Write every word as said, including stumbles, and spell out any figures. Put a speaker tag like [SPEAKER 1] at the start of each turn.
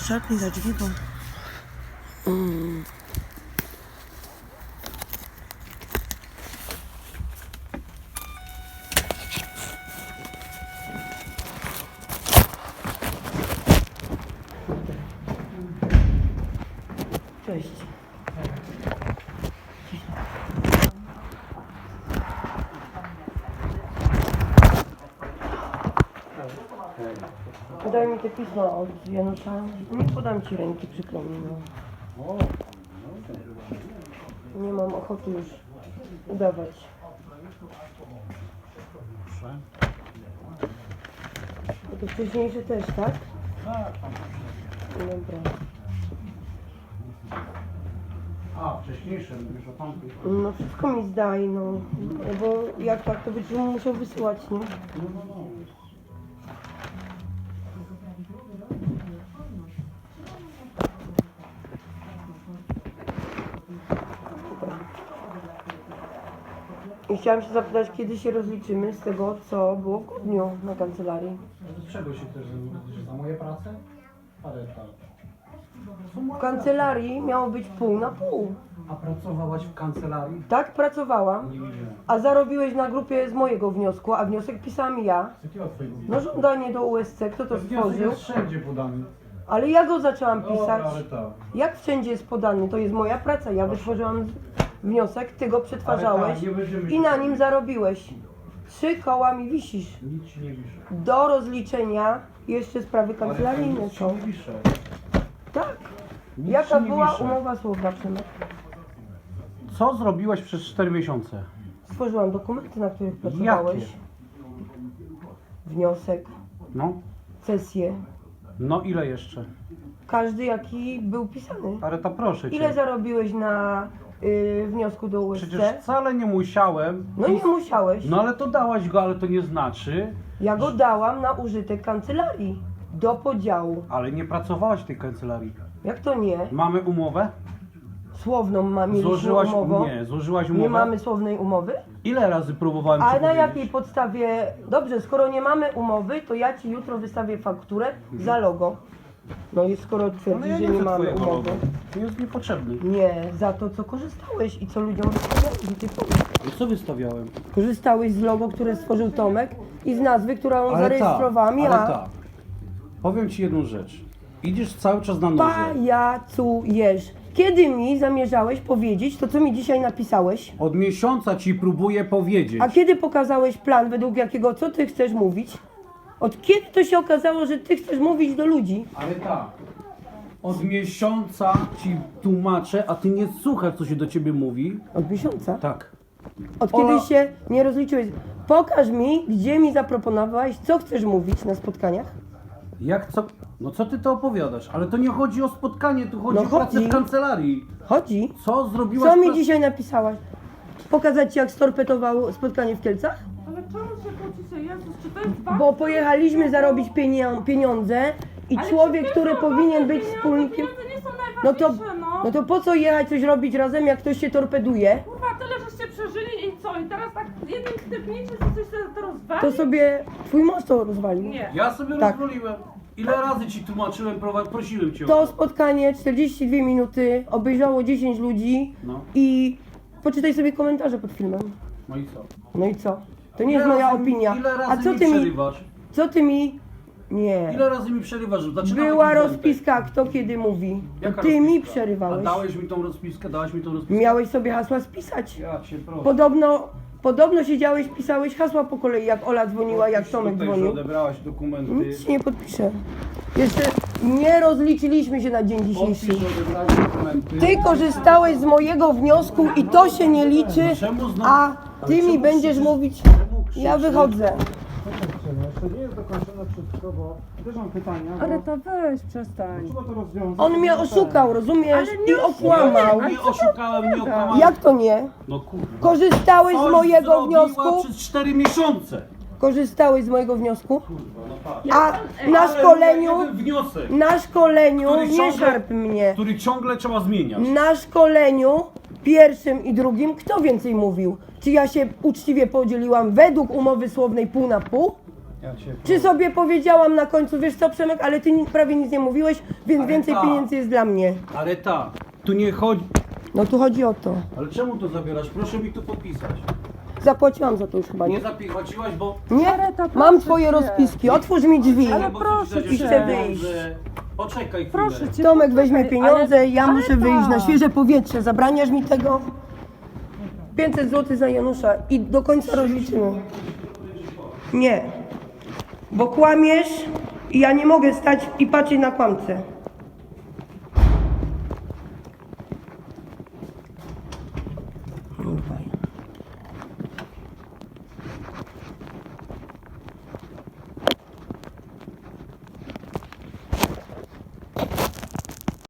[SPEAKER 1] Szarpnij za dźwigą. Mm. Cześć. Podaj mi te pismo od Janusza. Nie podam ci ręki, przykro mi. No. Nie mam ochoty już udawać. A to wcześniejsze też, tak?
[SPEAKER 2] Tak.
[SPEAKER 1] Dobra.
[SPEAKER 2] A, wcześniejsze, mówisz o tamtej.
[SPEAKER 1] No wszystko mi zdaj, no. Bo jak tak, to będziesz musiał wysyłać, nie?
[SPEAKER 2] No, no, no.
[SPEAKER 1] I chciałam się zapytać, kiedy się rozliczymy z tego, co było w grudniu na kancelarii.
[SPEAKER 2] Z czego się też że za moje prace? Ale tak.
[SPEAKER 1] W kancelarii miało być pół na pół.
[SPEAKER 2] A pracowałaś w kancelarii?
[SPEAKER 1] Tak pracowałam,
[SPEAKER 2] Nie widziałem.
[SPEAKER 1] a zarobiłeś na grupie z mojego wniosku, a wniosek pisałam ja.
[SPEAKER 2] Z jakiego twojego?
[SPEAKER 1] No żądanie do U S C, kto to
[SPEAKER 2] Wniosek
[SPEAKER 1] stworzył?
[SPEAKER 2] jest wszędzie podany.
[SPEAKER 1] Ale ja go zaczęłam
[SPEAKER 2] Dobra,
[SPEAKER 1] pisać.
[SPEAKER 2] ale tak.
[SPEAKER 1] Jak wszędzie jest podany? To jest moja praca. Ja wytworzyłam wniosek, ty go przetwarzałeś
[SPEAKER 2] Ale tak, nie będziemy
[SPEAKER 1] i
[SPEAKER 2] się-
[SPEAKER 1] na nim zarobiłeś. Trzy koła mi wisisz.
[SPEAKER 2] Nic ci nie wiszę.
[SPEAKER 1] Do rozliczenia jeszcze sprawy kancelaryjne
[SPEAKER 2] nic ci
[SPEAKER 1] są.
[SPEAKER 2] nie wiszę.
[SPEAKER 1] Tak.
[SPEAKER 2] Nic
[SPEAKER 1] Jaka
[SPEAKER 2] ci nie
[SPEAKER 1] była
[SPEAKER 2] wiszę.
[SPEAKER 1] umowa słowna, Przemek?
[SPEAKER 2] Co zrobiłaś przez cztery miesiące?
[SPEAKER 1] Stworzyłam dokumenty, na których pracowałeś.
[SPEAKER 2] Jakie?
[SPEAKER 1] Wniosek,
[SPEAKER 2] No.
[SPEAKER 1] sesję.
[SPEAKER 2] No ile jeszcze?
[SPEAKER 1] Każdy jaki był pisany.
[SPEAKER 2] Ale to proszę cię.
[SPEAKER 1] Ile zarobiłeś na y, wniosku do U S C?
[SPEAKER 2] Przecież wcale nie musiałem.
[SPEAKER 1] No nie musiałeś.
[SPEAKER 2] No ale to dałaś go, ale to nie znaczy.
[SPEAKER 1] Ja go dałam na użytek kancelarii. Do podziału.
[SPEAKER 2] Ale nie pracowałaś w tej kancelarii.
[SPEAKER 1] Jak to nie?
[SPEAKER 2] Mamy umowę?
[SPEAKER 1] Słowną ma, mieliśmy
[SPEAKER 2] Złożyłaś
[SPEAKER 1] umowę.
[SPEAKER 2] Nie, złożyłaś umowę.
[SPEAKER 1] Nie mamy słownej umowy?
[SPEAKER 2] Ile razy próbowałem
[SPEAKER 1] A
[SPEAKER 2] ci
[SPEAKER 1] na
[SPEAKER 2] powiedzieć?
[SPEAKER 1] jakiej podstawie? Dobrze, skoro nie mamy umowy, to ja ci jutro wystawię fakturę za logo. No i skoro
[SPEAKER 2] Ale
[SPEAKER 1] twierdzisz,
[SPEAKER 2] ja
[SPEAKER 1] że
[SPEAKER 2] nie
[SPEAKER 1] nie
[SPEAKER 2] chcę
[SPEAKER 1] mamy
[SPEAKER 2] twojego
[SPEAKER 1] umowy.
[SPEAKER 2] logo. To jest niepotrzebny.
[SPEAKER 1] Nie, za to co korzystałeś i co ludziom wystawiałeś. I ty powiedz.
[SPEAKER 2] I co wystawiałem?
[SPEAKER 1] Korzystałeś z logo, które stworzył Tomek i z nazwy, którą
[SPEAKER 2] Ale
[SPEAKER 1] zarejestrowałam
[SPEAKER 2] tak,
[SPEAKER 1] ja.
[SPEAKER 2] ale tak. Powiem ci jedną rzecz. Idziesz cały czas na noże.
[SPEAKER 1] Pajacujesz. Kiedy mi zamierzałeś powiedzieć to, co mi dzisiaj napisałeś?
[SPEAKER 2] Od miesiąca ci próbuję powiedzieć.
[SPEAKER 1] A kiedy pokazałeś plan, według jakiego, co ty chcesz mówić? Od kiedy to się okazało, że ty chcesz mówić do ludzi?
[SPEAKER 2] Ale tak. Od miesiąca ci tłumaczę, a ty nie słuchasz, co się do ciebie mówi.
[SPEAKER 1] Od miesiąca?
[SPEAKER 2] Tak.
[SPEAKER 1] Od
[SPEAKER 2] Ola-
[SPEAKER 1] kiedy się nie rozliczyłeś? Pokaż mi, gdzie mi zaproponowałeś, co chcesz mówić na spotkaniach.
[SPEAKER 2] Jak co? No co ty to opowiadasz? Ale to nie chodzi o spotkanie, tu chodzi
[SPEAKER 1] No
[SPEAKER 2] o pracę
[SPEAKER 1] chodzi.
[SPEAKER 2] w kancelarii.
[SPEAKER 1] Chodzi.
[SPEAKER 2] Co zrobiłaś?
[SPEAKER 1] Co mi
[SPEAKER 2] pra-
[SPEAKER 1] dzisiaj napisałaś? Pokazać ci, jak storpetował spotkanie w Kielcach?
[SPEAKER 3] Ale czemu się kłócicie? Jezus, czy to jest wasze?
[SPEAKER 1] Bo pojechaliśmy zarobić pienio- pieniądze i
[SPEAKER 3] Ale
[SPEAKER 1] człowiek,
[SPEAKER 3] czy to
[SPEAKER 1] który
[SPEAKER 3] są
[SPEAKER 1] powinien
[SPEAKER 3] wasze
[SPEAKER 1] być
[SPEAKER 3] pieniądze?
[SPEAKER 1] wspólnikiem...
[SPEAKER 3] Pieniądze nie są
[SPEAKER 1] No to,
[SPEAKER 3] najważniejsze, no.
[SPEAKER 1] no to po co jechać coś robić razem, jak ktoś się torpeduje?
[SPEAKER 3] Kurwa, tyle żeście przeżyli i co? I teraz tak jednym stepnięciem coś się to rozwali?
[SPEAKER 1] To sobie twój mąż to rozwalił.
[SPEAKER 3] Nie.
[SPEAKER 2] Ja sobie
[SPEAKER 1] Tak.
[SPEAKER 2] rozwoliłem. Ile razy ci tłumaczyłem, prowa- prosiłem cię o
[SPEAKER 1] To spotkanie czterdzieści dwie minuty, obejrzało dziesięć ludzi
[SPEAKER 2] No.
[SPEAKER 1] i poczytaj sobie komentarze pod filmem.
[SPEAKER 2] No i co?
[SPEAKER 1] No i co? To nie jest
[SPEAKER 2] Ile
[SPEAKER 1] moja
[SPEAKER 2] razy-
[SPEAKER 1] opinia.
[SPEAKER 2] Ile razy
[SPEAKER 1] A co
[SPEAKER 2] mi
[SPEAKER 1] ty mi,
[SPEAKER 2] przerywasz?
[SPEAKER 1] co ty mi... Nie.
[SPEAKER 2] Ile razy mi przerywasz? Zaczynamy
[SPEAKER 1] Była
[SPEAKER 2] jakiś wątek.
[SPEAKER 1] rozpiska, kto kiedy mówi. To
[SPEAKER 2] Jaka
[SPEAKER 1] ty
[SPEAKER 2] rozpiska?
[SPEAKER 1] mi
[SPEAKER 2] A
[SPEAKER 1] przerywałeś.
[SPEAKER 2] dałeś mi tą rozpiskę? Dałaś mi tą rozpiskę?
[SPEAKER 1] Miałeś sobie hasła spisać.
[SPEAKER 2] Ja cię proszę.
[SPEAKER 1] Podobno, podobno siedziałeś, pisałeś hasła po kolei, jak Ola dzwoniła, jak
[SPEAKER 2] Podpisz
[SPEAKER 1] Tomek
[SPEAKER 2] tutaj, że
[SPEAKER 1] dzwonił.
[SPEAKER 2] odebrałaś dokumenty.
[SPEAKER 1] Nic ci nie podpiszę. Jeszcze nie rozliczyliśmy się na dzień
[SPEAKER 2] Podpisz,
[SPEAKER 1] dzisiejszy.
[SPEAKER 2] że odebrałeś dokumenty.
[SPEAKER 1] Ty korzystałeś z mojego wniosku i to się nie liczy,
[SPEAKER 2] Czemu znowu-
[SPEAKER 1] a ty
[SPEAKER 2] Ale
[SPEAKER 1] mi
[SPEAKER 2] czemu
[SPEAKER 1] będziesz
[SPEAKER 2] krzyczysz?
[SPEAKER 1] mówić,
[SPEAKER 2] Czemu krzyczysz?
[SPEAKER 1] ja wychodzę.
[SPEAKER 4] Jeszcze nie jest dokończone wszystko, bo też mam pytania, bo
[SPEAKER 3] Ale to weź, przestań.
[SPEAKER 4] trzeba to rozwiązać.
[SPEAKER 1] On mnie oszukał, rozumiesz?
[SPEAKER 3] Ale nie
[SPEAKER 1] I okłamał.
[SPEAKER 2] Nie, nie oszukałem, nie okłamałem.
[SPEAKER 1] Jak to nie?
[SPEAKER 2] No kurwa.
[SPEAKER 1] Korzystałeś z
[SPEAKER 2] Coś
[SPEAKER 1] mojego
[SPEAKER 2] zrobiła
[SPEAKER 1] wniosku?
[SPEAKER 2] przez cztery miesiące.
[SPEAKER 1] Korzystałeś z mojego wniosku?
[SPEAKER 2] Kurwa, no tak.
[SPEAKER 1] A na
[SPEAKER 2] Ale
[SPEAKER 1] szkoleniu,
[SPEAKER 2] jeden wniosek,
[SPEAKER 1] na szkoleniu,
[SPEAKER 2] Który
[SPEAKER 1] nie
[SPEAKER 2] ciągle-
[SPEAKER 1] szarp mnie.
[SPEAKER 2] który ciągle trzeba zmieniać.
[SPEAKER 1] Na szkoleniu pierwszym i drugim kto więcej mówił? Czy ja się uczciwie podzieliłam według umowy słownej pół na pół?
[SPEAKER 4] Ja cię
[SPEAKER 1] Czy sobie powiedziałam na końcu, wiesz co Przemek, ale ty ni- prawie nic nie mówiłeś, więc
[SPEAKER 2] Ale
[SPEAKER 1] więcej
[SPEAKER 2] tak.
[SPEAKER 1] pieniędzy jest dla mnie.
[SPEAKER 2] Ale tak, tu nie chodzi...
[SPEAKER 1] No tu chodzi o to.
[SPEAKER 2] Ale czemu to zabierasz? Proszę mi tu podpisać.
[SPEAKER 1] Zapłaciłam za to już chyba,
[SPEAKER 2] Nie
[SPEAKER 1] nie?
[SPEAKER 2] zapłaciłaś, bo...
[SPEAKER 1] Nie?
[SPEAKER 3] Mareta,
[SPEAKER 1] Mam
[SPEAKER 3] proszę
[SPEAKER 1] twoje
[SPEAKER 3] cię.
[SPEAKER 1] rozpiski, otwórz mi drzwi.
[SPEAKER 3] Ale
[SPEAKER 2] bo
[SPEAKER 3] proszę
[SPEAKER 2] chcesz dać
[SPEAKER 3] cię.
[SPEAKER 2] jeszcze
[SPEAKER 1] Chcę
[SPEAKER 2] pieniądze. Poczekaj chwilę.
[SPEAKER 3] Proszę cię.
[SPEAKER 1] Tomek weźmie
[SPEAKER 3] poczekaj,
[SPEAKER 1] pieniądze,
[SPEAKER 3] ale-
[SPEAKER 1] ja
[SPEAKER 3] ale
[SPEAKER 1] muszę wyjść na
[SPEAKER 3] tak.
[SPEAKER 1] świeże powietrze. Zabraniasz mi tego? pięćset złotych za Janusza i do końca rozliczymy. Nie, bo kłamiesz i ja nie mogę stać i patrzeć na kłamcę.